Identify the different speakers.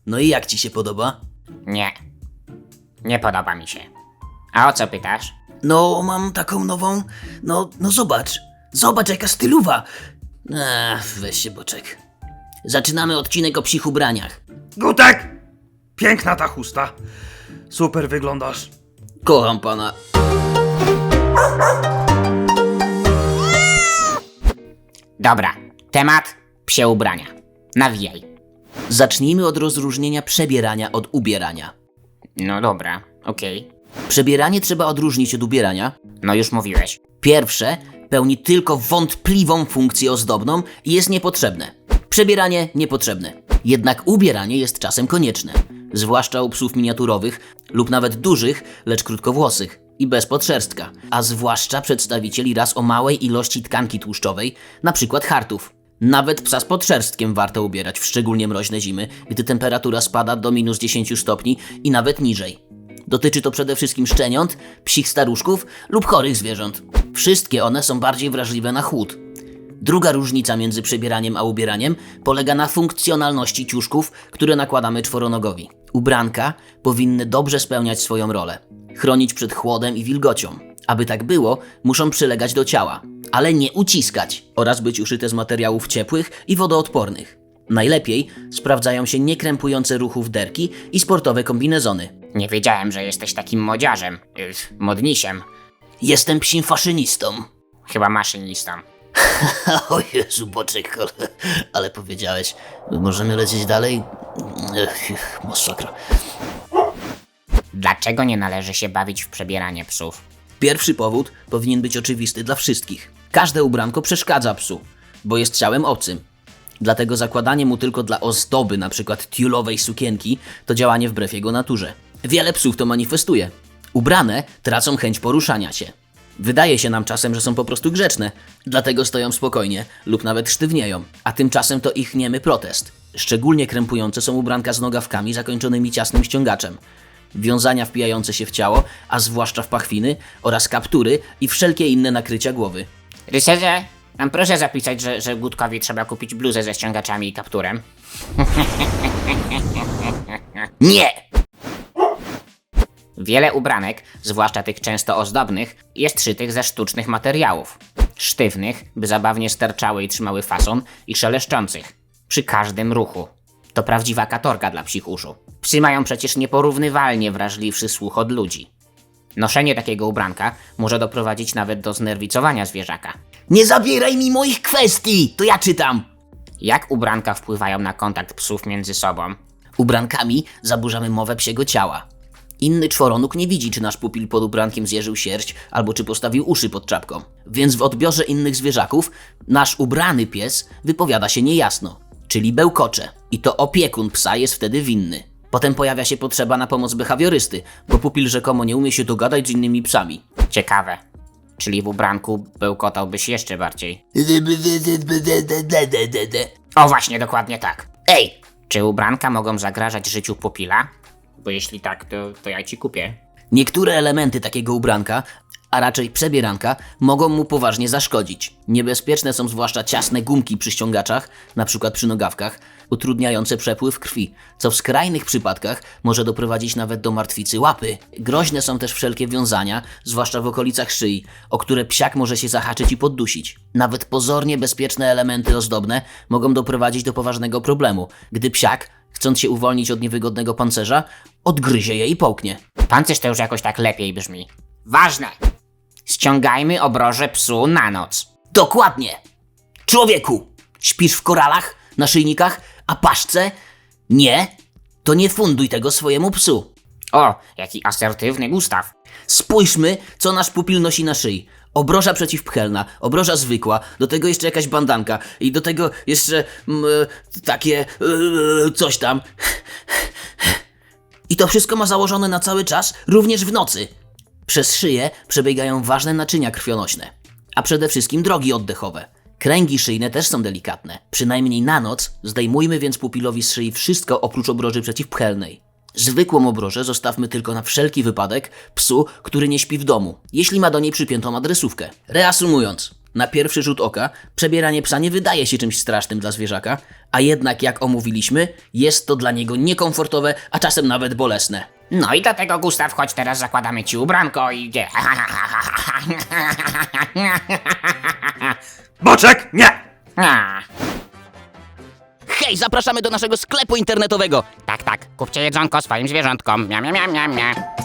Speaker 1: No i jak ci się podoba?
Speaker 2: Nie podoba mi się. A o co pytasz?
Speaker 1: No, mam taką nową... No zobacz. Zobacz, jaka stylowa. Weź się, Boczek. Zaczynamy odcinek o psich ubraniach.
Speaker 3: Gutek! Piękna ta chusta. Super wyglądasz.
Speaker 1: Kocham pana.
Speaker 2: Dobra, temat psie ubrania. Nawijaj.
Speaker 1: Zacznijmy od rozróżnienia przebierania od ubierania.
Speaker 2: No dobra, okej.
Speaker 1: Przebieranie trzeba odróżnić od ubierania.
Speaker 2: No już mówiłeś.
Speaker 1: Pierwsze pełni tylko wątpliwą funkcję ozdobną i jest niepotrzebne. Przebieranie niepotrzebne. Jednak ubieranie jest czasem konieczne. Zwłaszcza u psów miniaturowych lub nawet dużych, lecz krótkowłosych i bez podszerstka. A zwłaszcza przedstawicieli ras o małej ilości tkanki tłuszczowej, np. hartów. Nawet psa z podszerstkiem warto ubierać w szczególnie mroźne zimy, gdy temperatura spada do -10 stopni i nawet niżej. Dotyczy to przede wszystkim szczeniąt, psich staruszków lub chorych zwierząt. Wszystkie one są bardziej wrażliwe na chłód. Druga różnica między przebieraniem a ubieraniem polega na funkcjonalności ciuszków, które nakładamy czworonogowi. Ubranka powinny dobrze spełniać swoją rolę. Chronić przed chłodem i wilgocią. Aby tak było, muszą przylegać do ciała, ale nie uciskać oraz być uszyte z materiałów ciepłych i wodoodpornych. Najlepiej sprawdzają się niekrępujące ruchów derki i sportowe kombinezony.
Speaker 2: Nie wiedziałem, że jesteś takim modziarzem. Modnisiem.
Speaker 1: Jestem psim faszynistą.
Speaker 2: Chyba maszynistą.
Speaker 1: O Jezu, Boczek, ale powiedziałeś. Możemy lecieć dalej? Masakra.
Speaker 2: Dlaczego nie należy się bawić w przebieranie psów?
Speaker 1: Pierwszy powód powinien być oczywisty dla wszystkich. Każde ubranko przeszkadza psu, bo jest ciałem obcym. Dlatego zakładanie mu tylko dla ozdoby, np. tiulowej sukienki, to działanie wbrew jego naturze. Wiele psów to manifestuje. Ubrane tracą chęć poruszania się. Wydaje się nam czasem, że są po prostu grzeczne, dlatego stoją spokojnie lub nawet sztywnieją, a tymczasem to ich niemy protest. Szczególnie krępujące są ubranka z nogawkami zakończonymi ciasnym ściągaczem, wiązania wpijające się w ciało, a zwłaszcza w pachwiny oraz kaptury i wszelkie inne nakrycia głowy.
Speaker 2: Rycerze, tam proszę zapisać, że Gutkowi trzeba kupić bluzę ze ściągaczami i kapturem.
Speaker 1: Nie!
Speaker 2: Wiele ubranek, zwłaszcza tych często ozdobnych, jest szytych ze sztucznych materiałów. Sztywnych, by zabawnie sterczały i trzymały fason, i szeleszczących. Przy każdym ruchu. To prawdziwa katorga dla psich uszu. Psy mają przecież nieporównywalnie wrażliwszy słuch od ludzi. Noszenie takiego ubranka może doprowadzić nawet do znerwicowania zwierzaka.
Speaker 1: Nie zabieraj mi moich kwestii! To ja czytam!
Speaker 2: Jak ubranka wpływają na kontakt psów między sobą?
Speaker 1: Ubrankami zaburzamy mowę psiego ciała. Inny czworonóg nie widzi, czy nasz pupil pod ubrankiem zjeżył sierść, albo czy postawił uszy pod czapką. Więc w odbiorze innych zwierzaków nasz ubrany pies wypowiada się niejasno, czyli bełkocze. I to opiekun psa jest wtedy winny. Potem pojawia się potrzeba na pomoc behawiorysty, bo pupil rzekomo nie umie się dogadać z innymi psami.
Speaker 2: Ciekawe. Czyli w ubranku bełkotałbyś jeszcze bardziej. O właśnie, dokładnie tak.
Speaker 1: Ej!
Speaker 2: Czy ubranka mogą zagrażać życiu pupila? Bo jeśli tak, to ja ci kupię.
Speaker 1: Niektóre elementy takiego ubranka, a raczej przebieranka, mogą mu poważnie zaszkodzić. Niebezpieczne są zwłaszcza ciasne gumki przy ściągaczach, np. przy nogawkach, utrudniające przepływ krwi, co w skrajnych przypadkach może doprowadzić nawet do martwicy łapy. Groźne są też wszelkie wiązania, zwłaszcza w okolicach szyi, o które psiak może się zahaczyć i poddusić. Nawet pozornie bezpieczne elementy ozdobne mogą doprowadzić do poważnego problemu, gdy psiak, chcąc się uwolnić od niewygodnego pancerza, odgryzie je i połknie.
Speaker 2: Pancerz to już jakoś tak lepiej brzmi. Ważne! Ściągajmy obroże psu na noc.
Speaker 1: Dokładnie! Człowieku! Śpisz w koralach, naszyjnikach, a paszce? Nie? To nie funduj tego swojemu psu.
Speaker 2: O, jaki asertywny Gustaw.
Speaker 1: Spójrzmy, co nasz pupil nosi na szyi. Obroża przeciwpchelna, obroża zwykła, do tego jeszcze jakaś bandanka i do tego jeszcze takie coś tam. I to wszystko ma założone na cały czas, również w nocy. Przez szyję przebiegają ważne naczynia krwionośne, a przede wszystkim drogi oddechowe. Kręgi szyjne też są delikatne. Przynajmniej na noc zdejmujmy więc pupilowi z szyi wszystko oprócz obroży przeciwpchelnej. Zwykłą obrożę zostawmy tylko na wszelki wypadek psu, który nie śpi w domu, jeśli ma do niej przypiętą adresówkę. Reasumując, Na pierwszy rzut oka przebieranie psa nie wydaje się czymś strasznym dla zwierzaka, a jednak jak omówiliśmy, jest to dla niego niekomfortowe, a czasem nawet bolesne.
Speaker 2: No i dlatego, Gustaw, chodź teraz zakładamy ci ubranko i...
Speaker 3: Boczek, nie!
Speaker 1: Hej, zapraszamy do naszego sklepu internetowego!
Speaker 2: Tak, kupcie jedzonko swoim zwierzątkom. Mia, mia, mia, mia, mia.